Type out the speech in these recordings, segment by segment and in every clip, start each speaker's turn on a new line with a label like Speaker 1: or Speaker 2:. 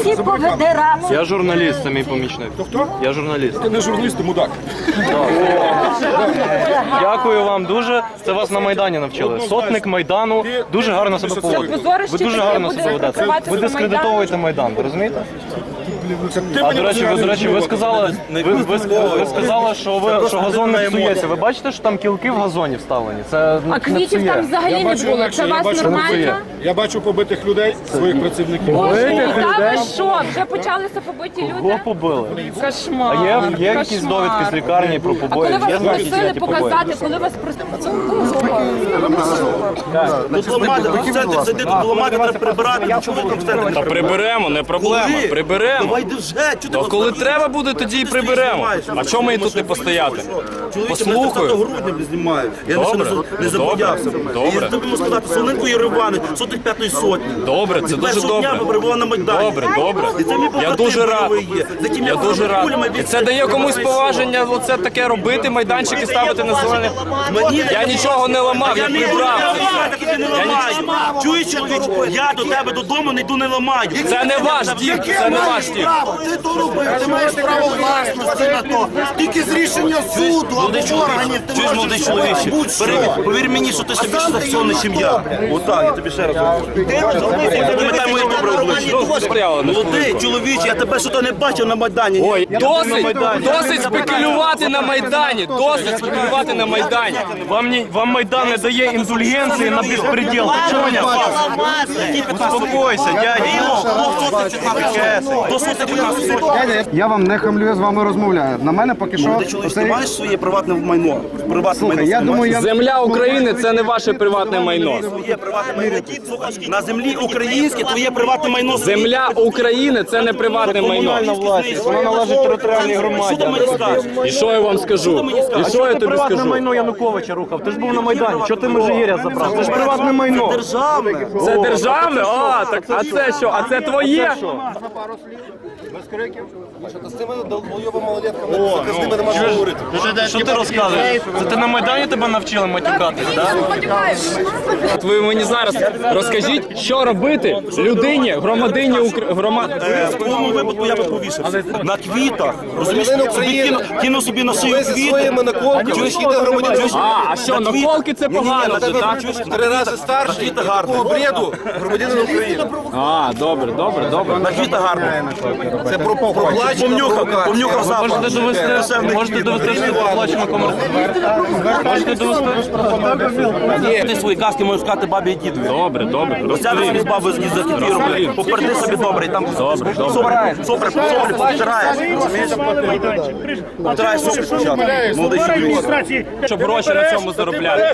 Speaker 1: всі повидирали.
Speaker 2: Я журналіст, це мій помічник.
Speaker 3: Хто?
Speaker 2: Я журналіст.
Speaker 3: Ти не журналіст, ти мудак.
Speaker 2: Дякую вам дуже. Це вас на Майдані навчили. Сотник Майдану дуже гарно себе поводить. Ви дуже гарно себе ведете. Ви дискредитовуєте Майдан, ви розумієте? А до речі, ви сказали, що газон не псується. Ви бачите, що там кілки в газоні вставлені? Це
Speaker 4: А квітів там взагалі не було. Це вас нормально?
Speaker 3: Я бачу побитих людей, своїх працівників.
Speaker 4: Та ви що? Вже почалися побиті люди?
Speaker 2: Кого побили?
Speaker 4: Кошмар.
Speaker 2: А є якісь довідки з лікарні про
Speaker 4: А
Speaker 2: побої?
Speaker 4: коли вас просили показати, коли вас просили...
Speaker 5: Ламати треба прибирати, чому ви там в
Speaker 6: Та приберемо, не проблема, приберемо.
Speaker 5: Давайте вже,
Speaker 6: То коли треба буде, тоді і приберемо. А чому ми тут не постояти? Послухаю.
Speaker 5: грудня знімаю. Я не забоявся.
Speaker 6: Добре.
Speaker 5: Я тобі можу сказати, Солоненко Єревани, сотих п'ятої сотні.
Speaker 6: Добре, це дуже
Speaker 5: Першого дня
Speaker 6: добре.
Speaker 5: ви перебували на Майдані.
Speaker 6: Добре.
Speaker 5: І це мій
Speaker 6: Я дуже радий. Я дуже радий.
Speaker 5: радий.
Speaker 6: І це дає комусь поваження оце таке робити, майданчики ставити на зелене. Я нічого не ламав, я прибрав.
Speaker 5: Чуєш, я до тебе додому не йду, не ламаю.
Speaker 6: Це не ваш дім, це не ваш дім.
Speaker 7: Ти то робив, ти маєш право власності на то. Тільки з рішення суду або органів ти
Speaker 5: Чуєш, молодий чоловіче, повір мені, що ти собі стаціонний, чим я. Отак, я тобі ще раз говорю. Пам'ятай моє добре обличчя. Молодий чоловіче, я тебе що-то не бачив на Майдані.
Speaker 6: Ой, досить спекулювати на Майдані, досить спекулювати на Майдані.
Speaker 2: Вам Майдан не дає індульгенції на безпреділ. Успокойся, дядя.
Speaker 8: Я вам не хамлю, я з вами розмовляю. На мене поки що...
Speaker 5: Молодий чоловіче, ти маєш своє приватне майно?
Speaker 8: Я думаю,
Speaker 6: Земля України – це не ваше приватне майно.
Speaker 5: Твоє приватне майно. На землі українське твоє приватне майно.
Speaker 6: Земля України – це не приватне майно.
Speaker 2: Вона належить територіальній громаді.
Speaker 5: Що ти мені скажеш?
Speaker 6: І що я вам скажу? І що я тобі
Speaker 2: Приватне
Speaker 6: скажу?
Speaker 2: майно Януковича рухав. Ти ж був на Майдані. Чого ти Межигір'я забрав? Це ж приватне майно.
Speaker 5: Державне.
Speaker 6: Це державне? А, так, а це що? А це твоє?
Speaker 2: Що ти розказуєш? Це ти на Майдані тебе навчили матюкатись, так?
Speaker 6: От ви мені зараз розкажіть, що робити людині, громадині
Speaker 5: В твоєму випадку я би повісився. На квітах. Розумієш, кинув собі на шию квіти. Чуєш,
Speaker 6: А що, наколки це погано, це так?
Speaker 5: 3 рази старший, такого бреду, громадянин України.
Speaker 6: А, добре.
Speaker 5: На квіта гарно. Це помнюхав запах.
Speaker 2: Можете довести, що проплачено комерцію. Можете довести?
Speaker 5: Ти свої казки можеш сказати бабі і дідові.
Speaker 6: Добре.
Speaker 5: Розтягнути з баби з кефіром. Попереди собі добре. Там супер, потираєш. Розумієш? Потираєш супер спочатку. Молодий чоловік.
Speaker 6: Щоб гроші на цьому заробляти.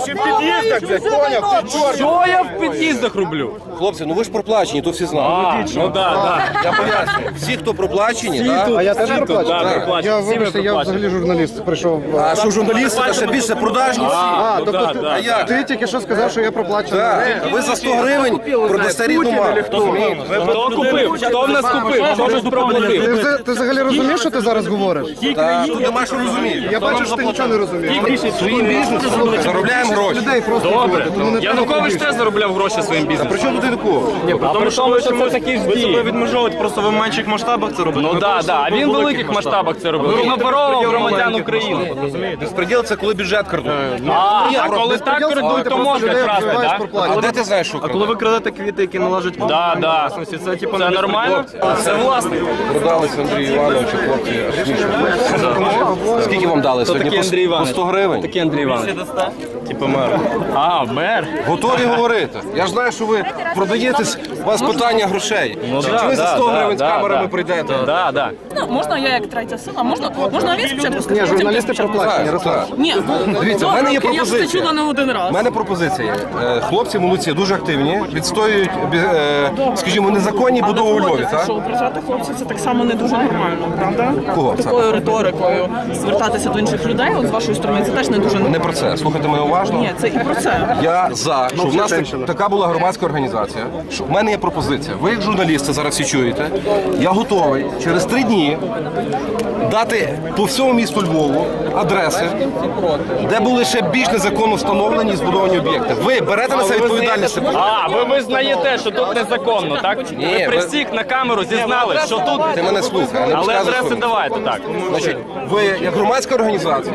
Speaker 6: Що я в під'їздах роблю?
Speaker 9: Хлопці, ну ви ж проплачені, то всі знають.
Speaker 6: Ну так.
Speaker 9: Я поясню. Всі, хто проплачені,
Speaker 8: а я теж
Speaker 6: проплачений.
Speaker 8: Я, вибачте, я взагалі журналіст прийшов.
Speaker 9: а що журналісти, це ще більше продажні всі.
Speaker 8: Тобто ти тільки що сказав, що я проплачений.
Speaker 9: Ви за 100 гривень продасте рідну маму.
Speaker 6: Хто купив? Хто в нас купив? Хто ж проплатив?
Speaker 8: Ти взагалі розумієш, що ти зараз говориш?
Speaker 9: Тут нема що розуміти.
Speaker 8: Я бачу, що ти нічого не розумієш.
Speaker 9: Своїм бізнесом заробляємо гроші.
Speaker 8: Людей просто
Speaker 6: Добре.
Speaker 8: вбивати, тому не треба
Speaker 6: Янукович теж заробляв гроші своїм бізнесом.
Speaker 9: При чому тут Янукович?
Speaker 2: Тому що
Speaker 6: це такі ж
Speaker 2: ви себе
Speaker 6: дії.
Speaker 2: відмежовуєте, просто ви в менших масштабах це робите.
Speaker 6: Ну так, а він в великих масштабах це робив. Він оборовував громадян України.
Speaker 9: Безпреділ – це коли бюджет крадуть.
Speaker 6: А коли так крадуть, то можна красти, так?
Speaker 9: А де ти знаєш, що
Speaker 2: А коли
Speaker 9: крадуть?
Speaker 2: ви крадете квіти, які належать вам?
Speaker 6: Да.
Speaker 2: Це типу
Speaker 6: Це нормально? Це власник.
Speaker 9: Продались Андрію Івановичу, хлопці. аж смішно. Скільки вам дали сьогодні?
Speaker 6: Такий Андрій
Speaker 9: По
Speaker 6: Іванович.
Speaker 9: 100 гривень?
Speaker 6: Такий Андрій Іванович.
Speaker 2: Типу мер.
Speaker 6: А, мер.
Speaker 9: Готові говорити. Я ж знаю, що ви продаєтесь, у вас питання грошей. Чи ви за 100 гривень з камерами прийдете?
Speaker 6: Да.
Speaker 4: Ну, можна я як третя сила? Можна він спочатку сказати?
Speaker 8: Ні, журналісти проплачені, Руслан.
Speaker 4: Ні,
Speaker 9: Дивіться, в мене є
Speaker 4: я це
Speaker 9: пропозиція.
Speaker 4: чула не один раз.
Speaker 9: У мене пропозиція є. Хлопці молодці, дуже активні, відстоюють, скажімо, незаконні будови у Львові, так?
Speaker 10: Що ображати хлопців це так само не дуже нормально, правда?
Speaker 9: Кого?
Speaker 10: Такою риторикою звертатися до інших людей, от з вашої сторони, це теж не дуже
Speaker 9: Не
Speaker 10: нормально.
Speaker 9: про це. Слухайте мене уважно.
Speaker 10: Ні, це і про це.
Speaker 9: Я за, що в нас така була громадська організація. Що в мене є пропозиція. Ви як журналісти зараз всі чуєте. Я готовий через 3 дні дати по всьому місту Львову адреси, де були ще більш незаконно встановлені і збудовані об'єкти. Ви берете на себе відповідальність?
Speaker 6: А, ви визнаєте, що тут незаконно, так? Ви при всіх на камеру зізнали, що тут...
Speaker 9: Ти мене слухай, не
Speaker 6: Але
Speaker 9: розказуй
Speaker 6: адреси
Speaker 9: своїм.
Speaker 6: давайте, так.
Speaker 9: Значить, ви як громадська організація.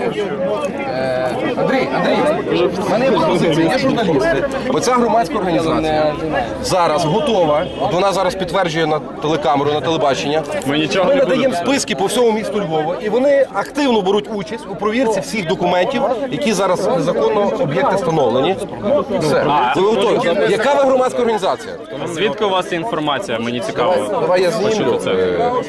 Speaker 9: Андрій, в мене є пропозиція, є журналісти. Оця громадська організація зараз готова, от вона зараз підтверджує на телекамеру, на телебачення.
Speaker 6: Ми нічого
Speaker 9: Ми
Speaker 6: не
Speaker 9: надаємо
Speaker 6: будемо.
Speaker 9: списки по всьому місту Львова, і вони активно беруть участь у провірці всіх документів, які зараз незаконно об'єкти встановлені. Все. Ви готові? Яка ви громадська організація?
Speaker 6: Звідки у вас інформація? Мені цікаво.
Speaker 9: Давай я знімлю.
Speaker 6: Почути це.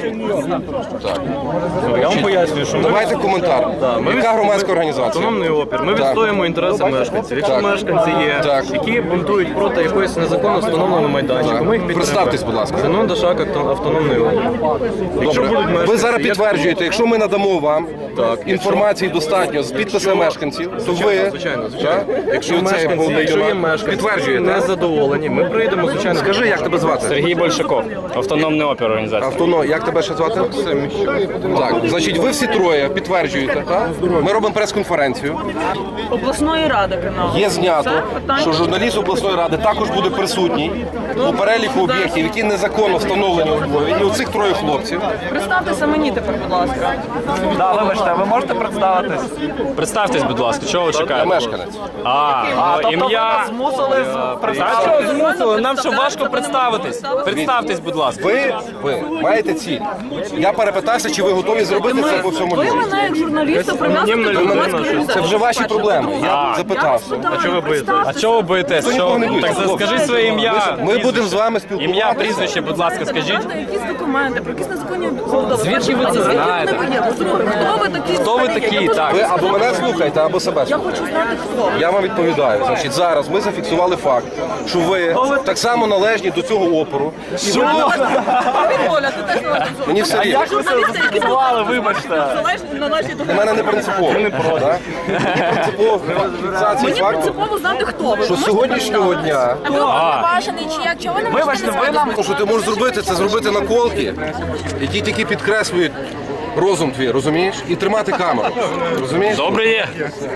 Speaker 9: Так.
Speaker 2: Я вам пояснюю, що ми
Speaker 9: Давайте коментар. Яка громадська організація?
Speaker 2: автономний опір. Ми відстоюємо інтереси мешканців. Якщо
Speaker 9: Так.
Speaker 2: мешканці є,
Speaker 9: Так.
Speaker 2: які бунтують проти якоїсь незаконно встановленого майданчика, ми їх підтримуємо.
Speaker 9: Представтесь, будь ласка.
Speaker 2: Зенон Дашак, автономний опір. Якщо
Speaker 9: Добре.
Speaker 2: будуть мешканці,
Speaker 9: Ви зараз
Speaker 2: є-
Speaker 9: підтверджуєте, якщо ми надамо вам інформації достатньо з підписами мешканців, то ви
Speaker 2: Звичайно.
Speaker 9: так?
Speaker 2: Якщо
Speaker 9: І оцей
Speaker 2: мешканці,
Speaker 9: головний
Speaker 2: якщо є
Speaker 9: юнак
Speaker 2: мешканці,
Speaker 9: підтверджуєте.
Speaker 2: не задоволені, ми прийдемо, звичайно.
Speaker 9: Скажи, як тебе звати?
Speaker 6: Сергій Большаков, автономний опір організація.
Speaker 9: Автоно, як тебе ще звати? Так, значить, ви всі троє підтверджуєте, так? Ми робимо прес-конференцію.
Speaker 10: Обласної ради каналу.
Speaker 9: Є знято,
Speaker 10: Це питання.
Speaker 9: що журналіст обласної ради також буде присутній у переліку об'єктів, які незаконно встановлені у Львові. І оцих троє хлопців.
Speaker 10: Представтеся мені тепер, будь ласка.
Speaker 2: Вибачте, ви можете представитись?
Speaker 6: Представтесь, будь ласка, чого ви
Speaker 9: Я
Speaker 6: чекаєте?
Speaker 9: мешканець.
Speaker 6: Ім'я...
Speaker 2: Змусили
Speaker 6: А чого змусили? Нам що важко представитись? Представтесь, будь ласка.
Speaker 9: Ви маєте ціль. Я перепитався, чи ви готові зробити це по всьому
Speaker 10: Ви
Speaker 9: Львові.
Speaker 10: мене як журналіста прив'язуєте до громадської
Speaker 9: Це
Speaker 10: організації.
Speaker 9: вже ваші проблеми. Я запитався.
Speaker 6: А чого ви боїтесь?
Speaker 9: нікого не боїться,
Speaker 6: Так
Speaker 9: хлопці.
Speaker 6: скажи своє ім'я.
Speaker 9: Ми будемо з вами
Speaker 6: Ім'я,
Speaker 9: спілкуватися.
Speaker 6: прізвище, будь ласка, скажіть.
Speaker 10: Якісь документи, про якісь незаконні забудови.
Speaker 6: Звідки ви це знаєте?
Speaker 10: Хто ви такі?
Speaker 6: Хто ви такі? Так.
Speaker 9: Ви або мене слухаєте, або себе
Speaker 10: Я
Speaker 9: слухаєте.
Speaker 10: хочу знати, хто ви.
Speaker 9: Я вам відповідаю. Значить, зараз ми зафіксували факт, що ви так само належні до цього опору. І ви
Speaker 10: Привіт, Оля, ти теж належиш до-
Speaker 9: Мені все рівно.
Speaker 10: Журналісти, які
Speaker 2: вибачте.
Speaker 10: належні до
Speaker 9: Для мене не принципово. так? Мені принципово фіксація
Speaker 10: Мені
Speaker 9: факту,
Speaker 10: принципово знати, хто ви.
Speaker 9: що з сьогоднішнього дня,
Speaker 4: А ви уповноважений чи як? Чого ви не можете назвати?
Speaker 9: що ти можеш зробити, це зробити наколки, які тільки підкреслюють розум твій, розумієш? І тримати камеру. Розумієш?
Speaker 6: Добре є.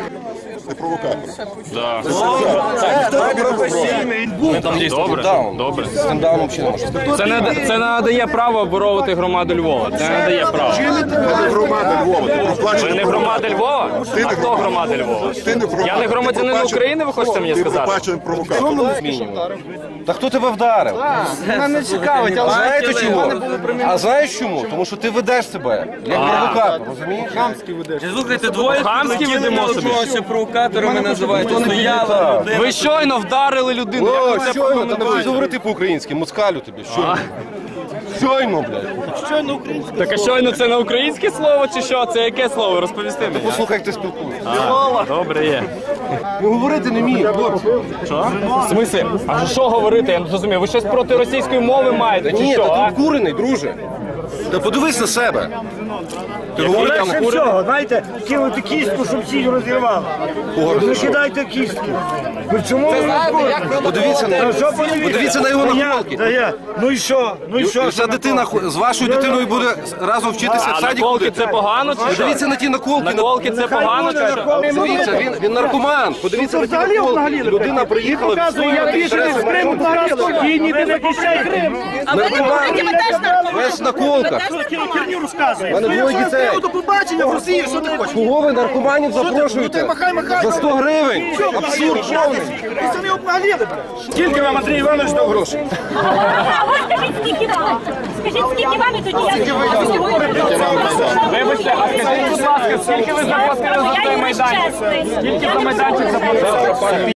Speaker 6: Добре,
Speaker 9: Даун.
Speaker 6: добре.
Speaker 9: З цим дауном ще не можна.
Speaker 6: Це не надає права оборовувати громаду Львова. Це не надає права.
Speaker 3: Громада Львова, ти
Speaker 6: Ви
Speaker 3: проплачений.
Speaker 6: не громада Львова? А хто громада Львова? Я не громадянин України, ви хочете мені
Speaker 3: Ти
Speaker 6: сказати?
Speaker 3: проплачений провокатор.
Speaker 9: Та хто тебе вдарив?
Speaker 2: Мене не цікавить, але
Speaker 9: Знаєте чому? А знаєш чому? Тому що ти ведеш себе як провокатор, розумієш?
Speaker 6: Слухайте, двоє хамські ведемо собі.
Speaker 9: Провокаторами називають. Стояли.
Speaker 6: Ви щойно вдарили людину. Як ви
Speaker 9: О,
Speaker 6: це
Speaker 9: щойно, та не
Speaker 6: прокоментуєте?
Speaker 9: будеш говорити по-українськи, москалю тобі, щойно. Щойно, блядь.
Speaker 6: Так а щойно це не українське слово чи що? Це яке слово? Розповісти мені.
Speaker 9: Послухай, як ти спілкуєшся.
Speaker 6: Добре є.
Speaker 9: Ну, говорити не вміє, хлопці.
Speaker 6: В смислі? А що говорити? Я не зрозумів. Ви щось проти російської мови маєте? Чи
Speaker 9: Ні,
Speaker 6: що?
Speaker 9: та
Speaker 6: а?
Speaker 9: ти обкурений, друже. Та подивись на себе. Ти говориш там
Speaker 1: Легше всього, знаєте, кинути кістку, щоб всі розірвали. Не кидайте кістки. Ви чому ви
Speaker 9: Подивіться на його наколки.
Speaker 1: Ну і що? Ну і що?
Speaker 9: Ця дитина з вашою дитиною буде разом вчитися в
Speaker 6: А
Speaker 9: садіку.
Speaker 6: наколки це погано чи що?
Speaker 9: Подивіться на ті наколки.
Speaker 6: Наколки це погано чи що?
Speaker 9: Дивіться, він наркоман. Подивіться на ті наколки. Людина приїхала, відстоювати інтереси наркоманів.
Speaker 1: І ніде не кищай Крим.
Speaker 10: А ви не говорите, ви теж наркомани.
Speaker 9: Весь в наколках.
Speaker 1: Херню розказує.
Speaker 9: У мене двоє дітей.
Speaker 1: До побачення в Росії, що ти хочеш?
Speaker 9: Кого ви наркоманів запрошуєте?
Speaker 1: Махай.
Speaker 9: За 100 гривень. Абсурд повний.
Speaker 1: Ви самі обнагліли. Скільки вам, Андрій Іванович, дав грошей?
Speaker 4: А ви скажіть, скільки вам? Скажіть, скільки вам і тоді я
Speaker 6: Вибачте, а скажіть, будь ласка, скільки ви заплатили за цей майданчик? Скільки за майданчик заплатили?